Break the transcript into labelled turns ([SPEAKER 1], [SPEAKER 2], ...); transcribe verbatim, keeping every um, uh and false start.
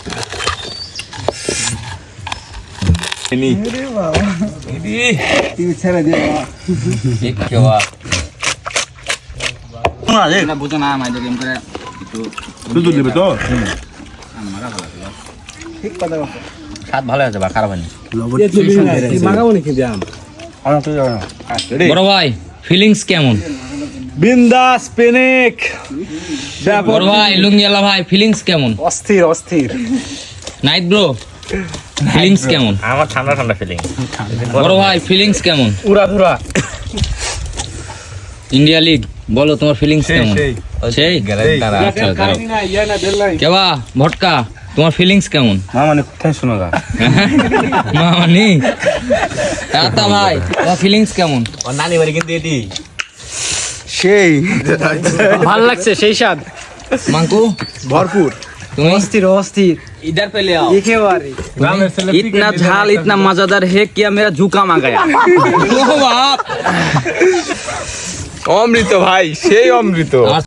[SPEAKER 1] ini ini ini cara dia एक kewa না রে না বুঝো না মাইদের গেম করে একটু দুধ দিবে তো মাগা ভালো ছিল ঠিক কথা বলছো স্বাদ ভালো আছে বা খারাপ হয়নি তুই মাগাও নাকি জাম আমার তো জানা বড় ভাই ফিলিংস কেমন বিন্দাস পেনিক বড় ভাই লুঙ্গিয়ালা ভাই ফিলিংস কেমন অস্থির অস্থির নাইট ব্রো ফিলিংস কেমন আমার ঠান্ডা ঠান্ডা ফিলিং বড় ভাই ফিলিংস কেমন উড়াধুরা ইন্ডিয়া লিগ বলো তোমার ফিলিংস কেমন সেই কেবা ভটকা তোমার ফিলিংস কেমন মামানে কোথায় শোনাগা মামানি তাতা ভাই তোমার ফিলিংস কেমন ও নানি বাড়ি কিন্তু এটি সেই ভালো লাগছে সেই স্বাদ মাঙ্কু ভরপুর तुम अस्थिर अस्थिर इधर पे ले आओ इतना झाल इतना मजेदार है क्या मेरा झुकाम आ गया अमृत भाई সেই অমৃত